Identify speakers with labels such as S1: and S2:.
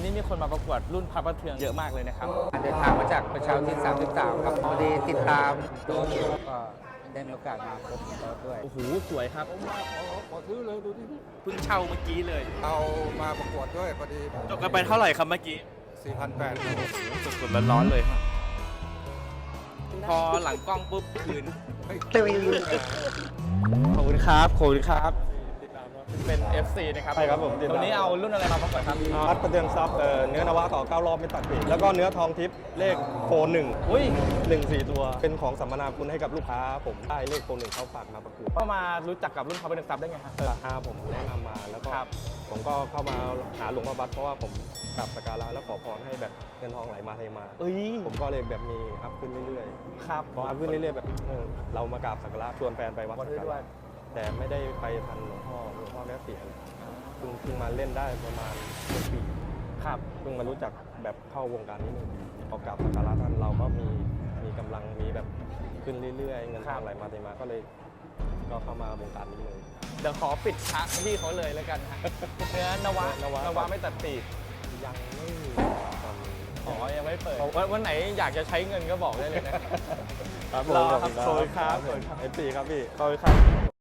S1: นี้มีคนมาประกวดรุ่นพระประเทืองเยอะมากเลยนะครับเดินทางมาจากประชาธิปไตย33ครับพอดีติดตามดูก็ได้มีโอกาสมาพบเขาด้วยโอ้โหสวยครับ
S2: ผมมาขอซื้อเลยดูที่
S1: เพิ่งเช่าเมื่อกี้เลย
S2: เอามาประกวดด้วยพอดี
S1: จบกันไปเท่าไหร่ครับเมื่อกี้
S2: 4,800
S1: สดๆร้อนๆเลยครับพอหลังกล้องปุ๊บคืนขอบคุณครับขอบคุณครับเป็น FC นะครับ
S3: ใช่ครับผมติดตาม
S1: วันนี้เอารุ่นอะไรมาประกวดครับ
S3: พัดประเทืองทรัพย์เนื้อนวะต่อ9 รอบไม่ตัดปีกแล้วก็เนื้อทองทิพย์เลขโฟน1
S1: อุ้ย
S3: 4 ตัว เป็นของสัมมนาคุณให้กับลูกค้าผมได้เลขโฟน1เขาฝากมาประกวด
S1: ก็มารู้จักกับรุ่นพระประเทืองทรัพย์ได้ไงครับ
S3: ผมแนะนำมาแล้วก็
S1: ครับ
S3: ผมก็เข้ามาหาหลวงพ่อบัตเพราะว่าผมกราบสักการะแล้วขอพรให้แบบเงินทองไหลมาเทมา
S1: เอ้ย
S3: ผมก็เลยแบบมีอัพขึ้นเรื่อย
S1: ครับ
S3: ๆพออัพขึ้นเรื่อยๆแบบเรามากราบสักการะชวนแฟนไปวัดสักการะแต่ไม่ได้ไปทันหลวงพ่อแม่เสียเพิ่งมาเล่นได้ประมาณ1 ปี
S1: ครับ
S3: เพิ่งมารู้จักแบบเข้าวงการนี้1 ปีพอกราบสักการะท่านเราก็มีกำลังมีแบบขึ้นเรื่อยๆเงินทองไหลมาเทมาก็เลยก็เข้ามาวงการนี้เลย
S1: เดี๋ยวขอปิดพระที่เขาเลยแล้วกันฮะเนื้อนวะ
S3: นวะ
S1: ไม่ตัดปีก
S3: ยังไม่มีตอนนี้
S1: อ๋อยังไม่เปิดวันไหนอยากจะใช้เงินก็บอกได้เลยนะ
S3: ครับ
S1: รอครับโชยครับ
S3: เอฟซีครับพี่ขอบคุณครับ